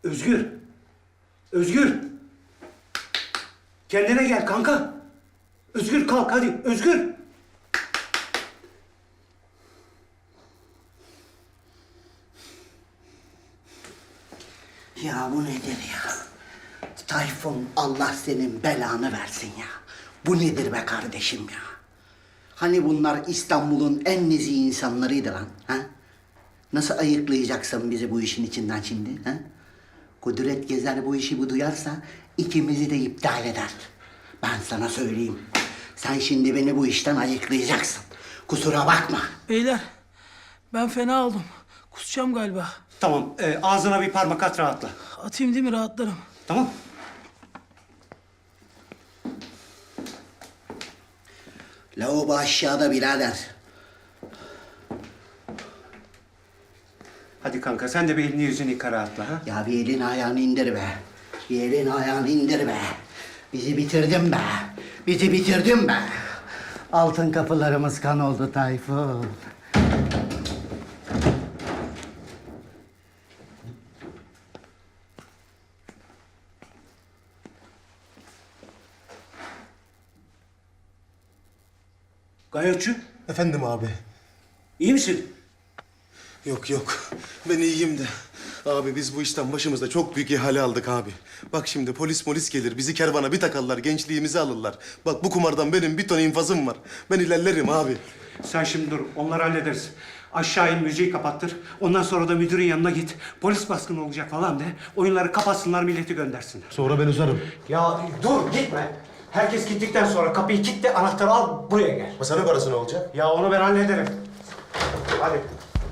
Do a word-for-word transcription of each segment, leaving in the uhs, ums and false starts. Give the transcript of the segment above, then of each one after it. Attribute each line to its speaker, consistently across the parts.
Speaker 1: Özgür. Özgür. Kendine gel kanka. Özgür kalk hadi. Özgür.
Speaker 2: Ya bu nedir ya? Tayfun, Allah senin belanı versin ya. Bu nedir be kardeşim ya? Hani bunlar İstanbul'un en nezih insanlarıydı lan, ha? Nasıl ayıklayacaksın bizi bu işin içinden şimdi, ha? Kudret Gezer bu işi bu duyarsa ikimizi de iptal eder. Ben sana söyleyeyim. Sen şimdi beni bu işten ayıklayacaksın. Kusura bakma.
Speaker 3: Beyler, ben fena oldum. Kusacağım galiba.
Speaker 1: Tamam e, ağzına bir parmak at rahatla.
Speaker 3: Atayım değil mi, rahatlarım.
Speaker 1: Tamam.
Speaker 2: Lavabo aşağıda birader.
Speaker 1: Hadi kanka sen de bir elini yüzünü yıka rahatla ha.
Speaker 2: Ya bir elin ayağını indir be. Bir elin ayağını indir be. Bizi bitirdin be. Bizi bitirdin be. Altın kapılarımız kan oldu Tayfun.
Speaker 1: Gayotçu,
Speaker 4: Efendim abi.
Speaker 1: iyi misin?
Speaker 4: Yok yok. Ben iyiyim de. Abi biz bu işten başımızda çok büyük ihale aldık abi. Bak şimdi polis molis gelir, bizi kervana bir takarlar, gençliğimizi alırlar. Bak bu kumardan benim bir ton infazım var. Ben ilerlerim abi.
Speaker 1: Sen şimdi dur, onları hallederiz. Aşağı in, müziği kapattır. Ondan sonra da müdürün yanına git. Polis baskını olacak falan de. Oyunları kapatsınlar, milleti göndersinler.
Speaker 4: Sonra ben uzarım.
Speaker 1: Ya dur, gitme. Herkes gittikten sonra kapıyı kilitle, anahtarı al, buraya gel.
Speaker 4: Masanın parası ne olacak?
Speaker 1: Ya onu ben hallederim. Hadi.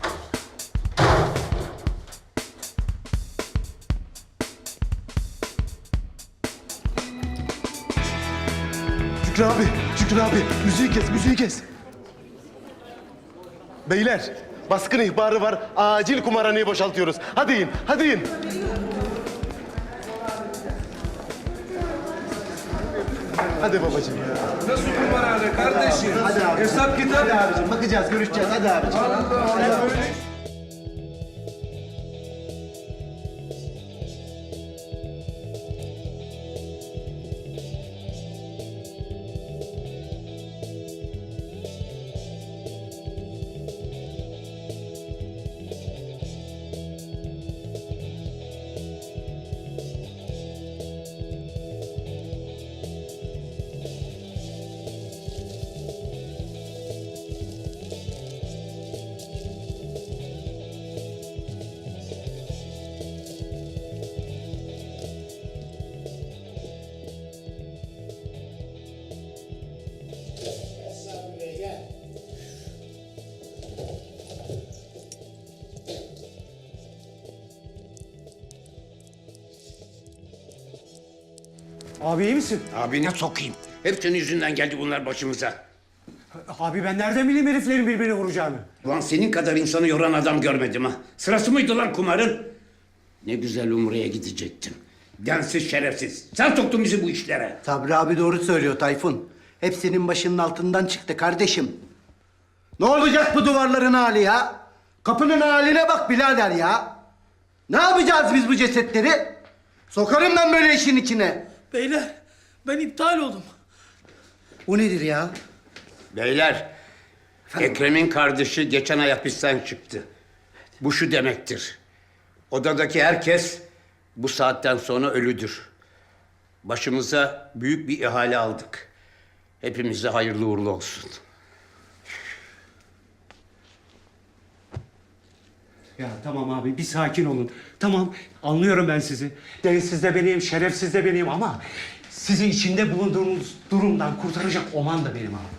Speaker 4: Şükrü abi, Şükrü abi. Müziği kes, müziği kes. Beyler, baskın ihbarı var. Acil kumarhaneyi boşaltıyoruz. Hadi in, hadi in. Hadi babacığım ya.
Speaker 5: Nasıl kumarhane kardeşim?
Speaker 4: Hadi abi.
Speaker 5: Hesap kitap.
Speaker 4: Hadi abicim, bakacağız, görüşeceğiz. Hadi abicim.
Speaker 5: Allah Allah.
Speaker 1: Abi iyi misin?
Speaker 6: Abine sokayım. Hep senin yüzünden geldi bunlar başımıza.
Speaker 1: Abi ben nereden bileyim heriflerin birbirini vuracağını?
Speaker 6: Ulan senin kadar insanı yoran adam görmedim ha. Sırası mıydı lan kumarın? Ne güzel Umre'ye gidecektin. Densiz şerefsiz. Sen soktun bizi bu işlere.
Speaker 2: Sabri abi doğru söylüyor Tayfun. Hepsinin başının altından çıktı kardeşim. Ne olacak bu duvarların hali ya? Kapının haline bak birader ya. Ne yapacağız biz bu cesetleri? Sokarım ben böyle işin içine.
Speaker 3: Beyler, ben iptal oldum.
Speaker 2: Bu nedir ya?
Speaker 6: Beyler, Ekrem'in kardeşi geçen ay hapisten çıktı. Bu şu demektir. Odadaki herkes bu saatten sonra ölüdür. Başımıza büyük bir ihale aldık. Hepimize hayırlı uğurlu olsun.
Speaker 1: Ya tamam abi bir sakin olun. Tamam anlıyorum ben sizi. Densiz de benim, şerefsiz de benim ama... ...sizi içinde bulunduğunuz durumdan kurtaracak oman da benim abi.